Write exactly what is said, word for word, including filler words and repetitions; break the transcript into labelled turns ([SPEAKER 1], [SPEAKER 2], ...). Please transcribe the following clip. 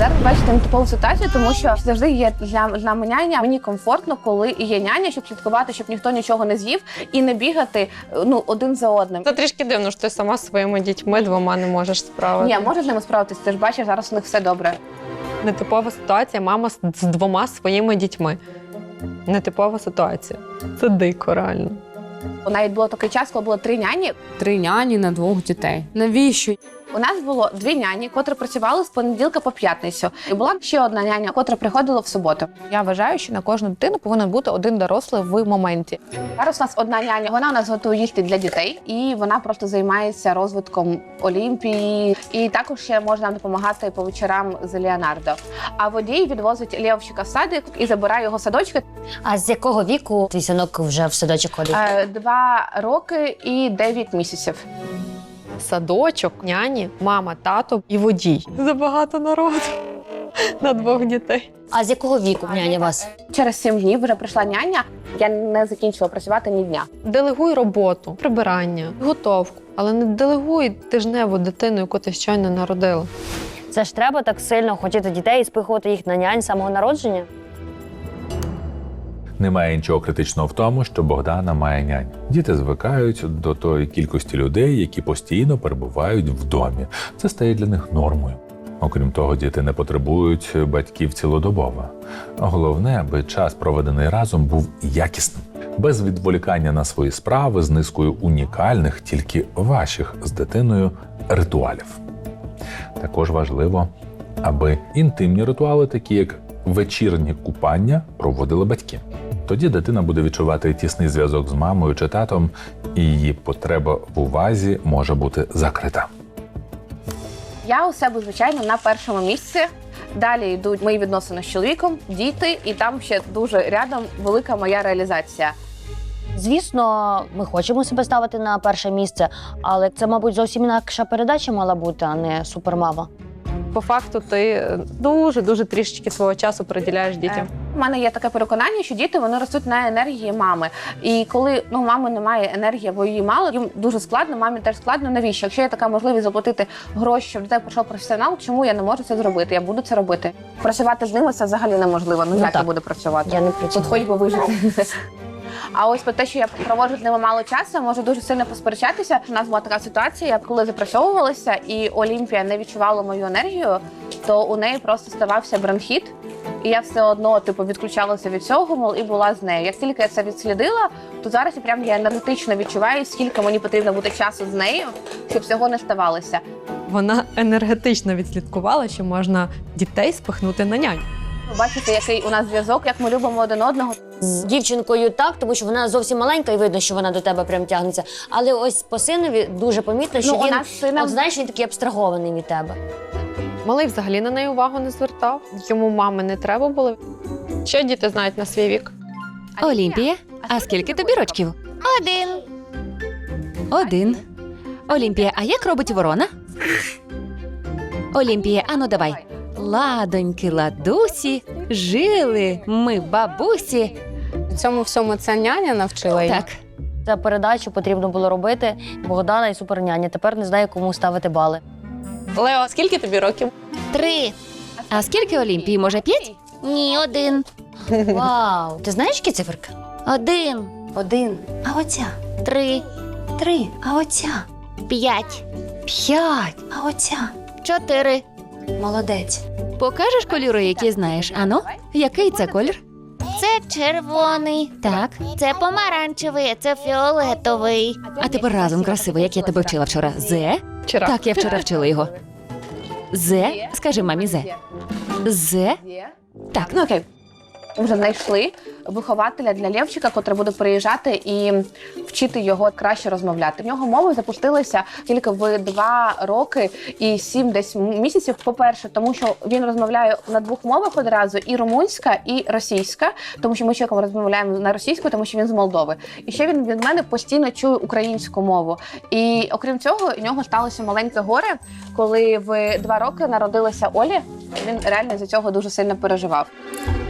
[SPEAKER 1] Зараз бачите нетипову ситуацію, тому що завжди є для, для няня. Мені комфортно, коли є няня, щоб слідкувати, щоб ніхто нічого не з'їв і не бігати ну, один за одним.
[SPEAKER 2] Це трішки дивно, що ти сама зі своїми дітьми двома не можеш справитися.
[SPEAKER 1] Ні, можеш з ними справитися, ти ж бачиш, зараз у них все добре.
[SPEAKER 2] Нетипова ситуація, мама з з двома своїми дітьми. Нетипова ситуація. Це дико, реально.
[SPEAKER 1] Навіть було такий час, коли було три няні.
[SPEAKER 3] Три няні на двох дітей. Навіщо?
[SPEAKER 1] У нас було дві няні, котрі працювали з понеділка по п'ятницю. І була ще одна няня, котра приходила в суботу.
[SPEAKER 4] Я вважаю, що на кожну дитину повинен бути один дорослий в моменті.
[SPEAKER 1] Зараз у нас одна няня, вона у нас готує їсти для дітей, і вона просто займається розвитком Олімпії. І також ще може нам допомагати по вечорам з Леонардо. А водій відвозить Лєвчика в садик і забирає його в садочки.
[SPEAKER 5] А з якого віку твій синок вже в садочок ходить?
[SPEAKER 1] Е, Два роки і дев'ять місяців.
[SPEAKER 2] Садочок, няні, мама, тато і водій. Забагато народу на двох дітей.
[SPEAKER 5] А з якого віку няня вас?
[SPEAKER 1] Через сім днів вже прийшла няня, я не закінчила працювати ні дня.
[SPEAKER 2] Делегуй роботу, прибирання, готовку, але не делегуй тижневу дитину, яку ти щойно народила.
[SPEAKER 5] Це ж треба так сильно хотіти дітей і спихувати їх на нянь з самого народження?
[SPEAKER 6] Немає нічого критичного в тому, що Богдана має нянь. Діти звикають до тої кількості людей, які постійно перебувають в домі. Це стає для них нормою. Окрім того, діти не потребують батьків цілодобово. Головне, аби час, проведений разом, був якісним. Без відволікання на свої справи, з низкою унікальних, тільки ваших з дитиною ритуалів. Також важливо, аби інтимні ритуали, такі як вечірні купання, проводили батьки. Тоді дитина буде відчувати тісний зв'язок з мамою чи татом, і її потреба в увазі може бути закрита.
[SPEAKER 1] Я у себе, звичайно, на першому місці. Далі йдуть мої відносини з чоловіком, діти, і там ще дуже рядом велика моя реалізація.
[SPEAKER 5] Звісно, ми хочемо себе ставити на перше місце, але це, мабуть, зовсім інакша передача мала бути, а не супермама.
[SPEAKER 2] По факту ти дуже-дуже трішечки свого часу приділяєш дітям.
[SPEAKER 1] У мене є таке переконання, що діти вони ростуть на енергії мами. І коли ну, у мами немає енергії, або її мало, їм дуже складно, мамі теж складно. Навіщо? Якщо є така можливість заплатити гроші, щоб до тебе прийшов професіонал, чому я не можу це зробити? Я буду це робити. Працювати з ними це взагалі неможливо. Ну,
[SPEAKER 5] Ну,
[SPEAKER 1] як
[SPEAKER 5] так.
[SPEAKER 1] я буду працювати?
[SPEAKER 5] Я не
[SPEAKER 1] Тут
[SPEAKER 5] працюю.
[SPEAKER 1] хоч би вижити. А ось про те, що я проводжу з ними мало часу, можу дуже сильно посперечатися. У нас була така ситуація, коли запрацьовувалася, і Олімпія не відчувала мою енергію, то у неї просто ставався бронхіт. І я все одно типу відключалася від цього, мол, і була з нею. Як тільки я це відслідила, то зараз я прям я енергетично відчуваю, скільки мені потрібно бути часу з нею, щоб цього не ставалося.
[SPEAKER 2] Вона енергетично відслідкувала, що можна дітей спихнути на нянь.
[SPEAKER 1] Ви бачите, який у нас зв'язок, як ми любимо один одного.
[SPEAKER 5] З дівчинкою так, тому що вона зовсім маленька і видно, що вона до тебе прям тягнеться. Але ось по синові дуже помітно, що
[SPEAKER 1] Ну, у
[SPEAKER 5] він,
[SPEAKER 1] нас сина-
[SPEAKER 5] от знаєш, він такий абстрагований від тебе.
[SPEAKER 2] Малий взагалі на неї увагу не звертав. Йому мами не треба було. Що діти знають на свій вік?
[SPEAKER 7] Олімпія, а скільки тобі рочків?
[SPEAKER 5] Один.
[SPEAKER 7] Один. Олімпія, а як робить ворона? Олімпія, ану давай. Ладоньки, ладусі, жили ми бабусі.
[SPEAKER 3] Цьому всьому ця няня навчила її.
[SPEAKER 7] Так,
[SPEAKER 5] Цю передачу потрібно було робити Богдана і суперняня. Тепер не знаю, кому ставити бали.
[SPEAKER 2] Лео, скільки тобі років?
[SPEAKER 5] Три.
[SPEAKER 7] а скільки Олімпії? Може, п'ять?
[SPEAKER 5] Ні, один. Вау. Ти знаєш, які циферки? Один.
[SPEAKER 3] Один.
[SPEAKER 5] А оця? Три.
[SPEAKER 3] Три.
[SPEAKER 5] А оця? П'ять.
[SPEAKER 7] П'ять.
[SPEAKER 5] А оця? Чотири.
[SPEAKER 3] Молодець.
[SPEAKER 7] Покажеш кольори, які знаєш? Ану, який це колір?
[SPEAKER 8] Це червоний,
[SPEAKER 7] Так.
[SPEAKER 8] це помаранчевий, це фіолетовий.
[SPEAKER 7] А тепер разом красиво, як я тебе вчила вчора. Зе?
[SPEAKER 2] Вчора.
[SPEAKER 7] Так, я вчора вчила його. Зе? Скажи мамі зе. Зе? Так,
[SPEAKER 1] Ну окей. Вже знайшли вихователя для Лєвчика, котрий буде приїжджати і вчити його краще розмовляти. В нього мови запустилися тільки в два роки і сім десь місяців. По-перше, тому що він розмовляє на двох мовах одразу: і румунська, і російська, тому що ми з чоловіком розмовляємо на російську, тому що він з Молдови. І ще він від мене постійно чує українську мову. І окрім цього, у нього сталося маленьке горе, коли в два роки народилася Олі. Він реально за цього дуже сильно переживав.